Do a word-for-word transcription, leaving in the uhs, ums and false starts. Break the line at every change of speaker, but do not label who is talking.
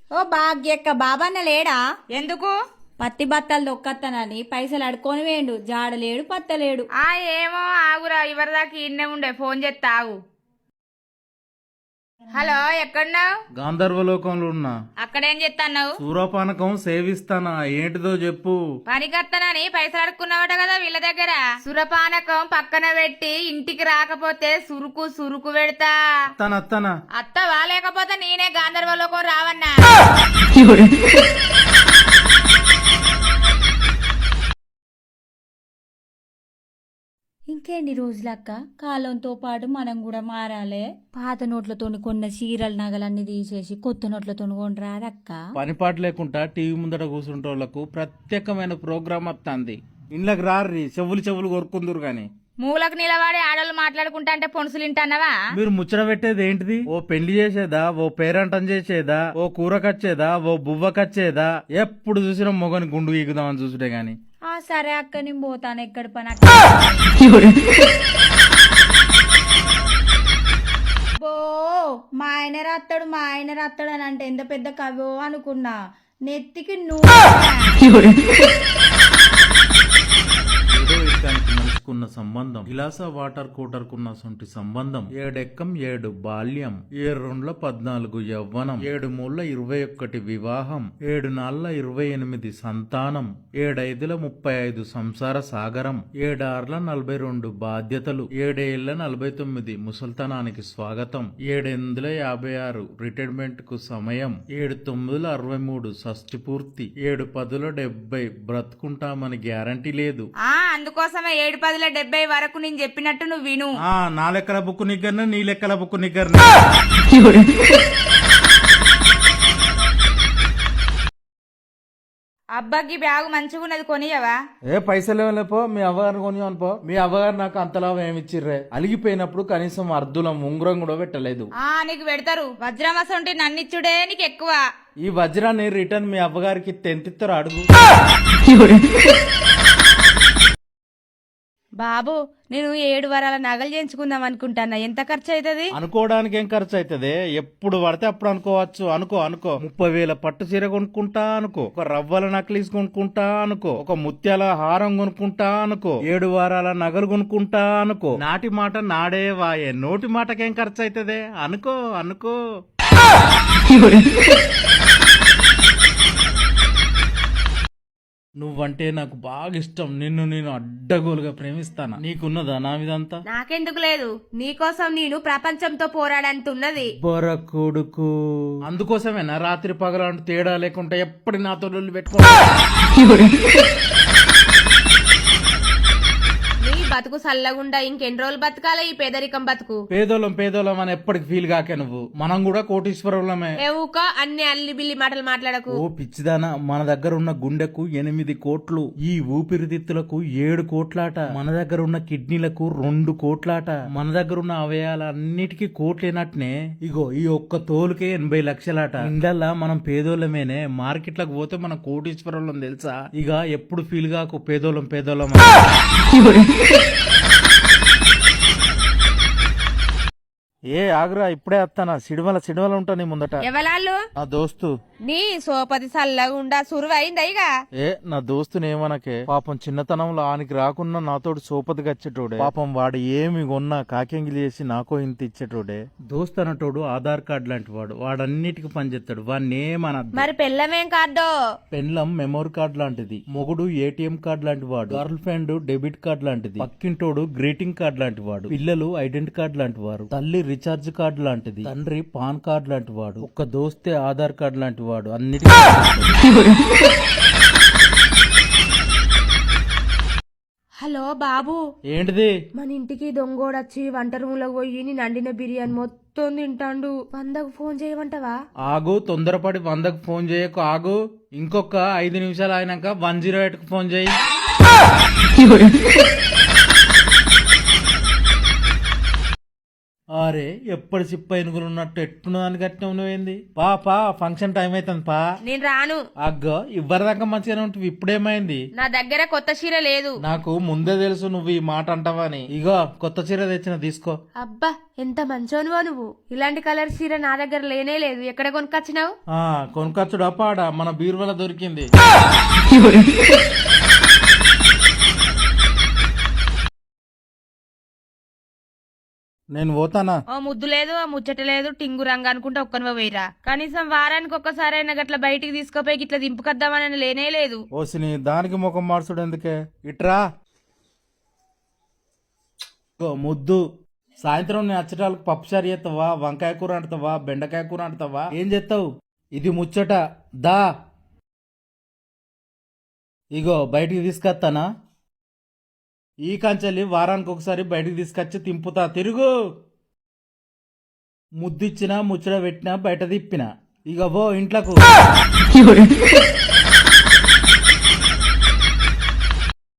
ఓ భాగ్యక్క బాబన్న లేడా?
ఎందుకు?
పత్తి బత్తలు దొక్కత్తనని పైసలు అడుకొని వేయండు. జాడలేడు పత్తలేడు.
ఆ ఏమో ఆగురా, ఇవరిదాకా ఇన్నే ఉండే, ఫోన్ చేస్తా ఆగు. హలో, ఎక్కడున్నావు?
గాంధర్వలోకంలో ఉన్నా.
అక్కడేం చెప్తాన్నావు?
సూరపానకం సేవిస్తానా, ఏంటిదో చెప్పు.
పనికత్తనని పైసలు అడుక్కున్నావట కదా వీళ్ళ దగ్గర. సురపానకం పక్కన పెట్టి ఇంటికి రాకపోతే సురుకు సురుకు పెడతా.
అత్తనా
అత్తవా? లేకపోతే నేనే గాంధర్వలోకం రావన్నా?
ఇంకేంటి రోజులక్క, కాలంతో పాటు మనం కూడా మారాలే. పాత నోట్లతో కొన్న చీరల నగలన్నీ తీసేసి కొత్త నోట్లతో కొనరాదక్క.
పనిపాటు లేకుండా టీవీ ముందట కూర్చుంటోళ్లకు ప్రత్యేకమైన ప్రోగ్రామ్ వస్తుంది. ఇండ్లకు రారి, చెవులు చెవులు కొరుకుందరు గాని.
మూలకు నిలబడి ఆడోళ్ళు మాట్లాడుకుంటా అంటే పొనుసులు వింటానవా?
మీరు ముచ్చట పెట్టేది ఏంటిది? ఓ పెళ్లి చేసేదా, ఓ పేరంటం చేసేదా, ఓ కూరకచ్చేదా, ఓ బువ్వకచ్చేదా? ఎప్పుడు చూసినా మొగని గుండు ఈగుదామని చూసుడే గాని.
ఆ సరే అక్క, నేను పోతాను. ఎక్కడ పని బో మా ఆయన రాస్తాడు మా ఆయన రాస్తాడు అని అంటే ఎంత పెద్ద కవో అనుకున్నా. నెత్తికి నువ్వు
ఏదో ఇష్టానికి మనిషికున్న సంబంధం, ఇలాస వాటర్ కూటర్ కున్న సొంటి సంబంధం. ఏడెక్కం ఏడు బాల్యం, ఏడు రెండ్ల పద్నాలుగు యవ్వనం, ఏడు మూళ్ళ ఇరవై ఒక్కటి వివాహం, ఏడు నాళ్ళ ఇరవై ఎనిమిది సంతానం, ఏడైదుల ముప్పై ఐదు సంసార సాగరం, ఏడార్ల నలభై రెండు బాధ్యతలు, ఏడేళ్ల నలభై తొమ్మిది ముసల్తనానికి స్వాగతం, ఏడెనిమిదిల యాభై ఆరు రిటైర్మెంట్ కు సమయం, ఏడు తొమ్మిదిల అరవై మూడు షష్టి పూర్తి, ఏడు పదుల డెబ్బై బ్రతుకుంటామని గ్యారంటీ లేదు.
ఆ అందుకోసమే ఏడు పదుల డెబ్బై వరకు నేను చెప్పినట్టు నువ్వు విను.
ఆ నా లెక్కల బుక్కు నిగ్గరన, నీ లెక్కల బుక్కు నిగ్గరన.
అబ్బాకి బ్యాగు మంచిగున్నది, కొనియవా?
ఏ పైసలు లేపో, మీ అవ్వగారిని కొని అనుకో. మీ అవ్వగారు నాకు అంతలాభం ఏమిచ్చిర్రే? అలిగిపోయినప్పుడు కనీసం అర్ధులం ఉంగరం కూడా పెట్టలేదు.
ఆ నీకు పెడతారు. వజ్రమస ఉంటే నన్నిచ్చుడే నీకు ఎక్కువ.
ఈ వజ్రాన్ని రిటర్న్ మీ అవ్వగారికి తెంతిస్తారు అడుగు.
బాబు, నేను ఏడు వారాల నగలు చేయించుకుందాం అనుకుంటానా, ఎంత ఖర్చు అవుతుంది?
అనుకోవడానికి ఏం ఖర్చు అవుతుంది? ఎప్పుడు పడితే అప్పుడు అనుకోవచ్చు. అనుకో అనుకో ముప్పై వేల పట్టు చీర కొనుక్కుంటా అనుకో, ఒక రవ్వల నక్లీస్ కొనుక్కుంటా అనుకో, ఒక ముత్యాల హారం కొనుక్కుంటా అనుకో, ఏడు వారాల నగలు కొనుక్కుంటా అనుకో. నాటి మాట నాడే వాయే, నోటి మాటకేం ఖర్చు అవుతుంది? అనుకో అనుకో. నువ్వంటే నాకు బాగా ఇష్టం. నిన్ను నేను అడ్డగోలుగా ప్రేమిస్తాను. నీకున్నదా నా విధంతా?
నాకెందుకు లేదు, నీకోసం నేను ప్రపంచంతో పోరాడంతున్నది.
బొర కొడుకు, అందుకోసమేనా రాత్రి పగలంటూ తేడా లేకుండా ఎప్పుడు నాతో లొల్లి పెట్టుకో.
నీ బతుకు సల్లగుండా ఇంకెన్ని రోజులు బతకాలే ఈ పేదరికం బతుకు?
పేదోళం పేదోళం అని ఎప్పటికి ఫీల్ కాకే నువ్వు. మనం కూడా కోటీశ్వరులమే.
ఏవుకో అన్ని అల్లి బిల్లి మాటలు మాట్లాడకు.
ఓ పిచ్చిదానా, మన దగ్గర ఉన్న గుండెకు ఎనిమిది కోట్లు, ఈ ఊపిరితిత్తులకు ఏడు కోట్లాట, మన దగ్గర ఉన్న కిడ్నీలకు రెండు కోట్లాట, మన దగ్గర ఉన్న అవయాలన్నిటికీ కోట్లేనట్నే ఇగో ఈ ఒక్క తోలుకే ఎనభై లక్షలాట. ఇండల్లా మనం పేదోళ్ళమేనే, మార్కెట్లకు పోతే మనం కోటీశ్వరులం తెలుసా? ఇక ఎప్పుడు ఫీల్ కాకు పేదోళం పేదోళం. ఏ ఆగ్రా, ఇప్పుడే వస్తానా. సిడిమల సిడిమల ఉంటా నీ ముందట.
ఎవలాళ్ళు?
నా దోస్తు.
నీ సోపతి సల్లగుండా సురువైందా? ఇక
ఏ నా దోస్తుని ఏమనకే. పాపం చిన్నతనంలో ఆనికి రాకున్నా నాతోటి సోపతికి వచ్చేటోడే. పాపం వాడు ఏమి కొన్నా కాకెంగిలి చేసి నాకో ఇంత ఇచ్చేటోడే. దోస్తు అనటోడు ఆధార్ కార్డు లాంటి వాడు, వాడన్నిటికి పనిచేస్తాడు. వాడిని ఏమనద్దు.
మరి పెళ్ళమేం కార్డో?
పెండ్లం మెమోరీ కార్డు లాంటిది, మొగుడు ఏటీఎం కార్డు లాంటి వాడు, గర్ల్ ఫ్రెండ్ డెబిట్ కార్డు లాంటిది, పక్కింటోడు గ్రీటింగ్ కార్డు లాంటి వాడు, పిల్లలు ఐడెంటి కార్డు లాంటి వారు, తల్లి రీఛార్జ్ కార్డు లాంటిది, తండ్రి పాన్ కార్డు లాంటి వాడు, ఒక్క దోస్తే ఆధార్ కార్డు లాంటి వాడు. అన్నిటికీ
హలో బాబు,
ఏంటిది?
మన ఇంటికి దొంగోడొచ్చి వంట రూమ్ లో పోయి నేను వండిన బిర్యానీ మొత్తం తింటాండు. వందకు ఫోన్ చేయమంటావా?
ఆగు, తొందరపడి వందకు ఫోన్ చేయకు. ఆగు, ఇంకొక ఐదు నిమిషాలు అయినాక వన్ జీరో ఎయిట్ కు ఫోన్ చేయి. అరే ఎప్పటి చిప్ప ఎనుగులు ఉన్నట్టు ఎట్టున్నదాన్ని కట్టిన ఉన్నవేంది పా పా ఫంక్షన్ టైం అవుతుంది పా.
నేను రాను.
అగ్గో ఇవ్వరిదాకా మంచిగానే ఉంటుంది, ఇప్పుడేమైంది?
నా దగ్గర కొత్త చీర లేదు.
నాకు ముందే తెలుసు నువ్వు ఈ మాట అంటావని. ఇగో కొత్త చీర తెచ్చిన తీసుకో.
అబ్బా ఎంత మంచోనువో నువ్వు. ఇలాంటి కలర్ చీర నా దగ్గర లేనే లేదు. ఎక్కడ కొనుకొచ్చినావు?
ఆ కొనుకొచ్చుడు అపాడ మన బీరువల దొరికింది. నేను పోతానా?
ఓ ముద్దు లేదు, ఆ ముచ్చట లేదు, టింగు రంగు అనుకుంటే ఒక్కనివో వేయరా. కనీసం వారానికి ఒక్కసారి అయినా గట్ల బయటికి తీసుకుపోయి ఇట్లా దింపుకొద్దామని లేనే లేదు.
ఓసిని దానికి ముఖం మార్చుడు ఎందుకే? ఇట్రా ఓ ముద్దు. సాయంత్రం నేను అచ్చటాలకు పప్పుచారు చేస్తావా, వంకాయ కూర అంటుతావా, బెండకాయ కూర అంటుతావా, ఏం చేస్తావు? ఇది ముచ్చట దా. ఇగో బయటికి తీసుకొస్తానా? ఈ కంచెలి వారానికి ఒకసారి బయటికి తీసుకొచ్చి తింపుతా. తిరుగు. ముద్దిచ్చినా ముచ్చట పెట్టినా బయట తిప్పినా. ఇక పో ఇంట్లకు.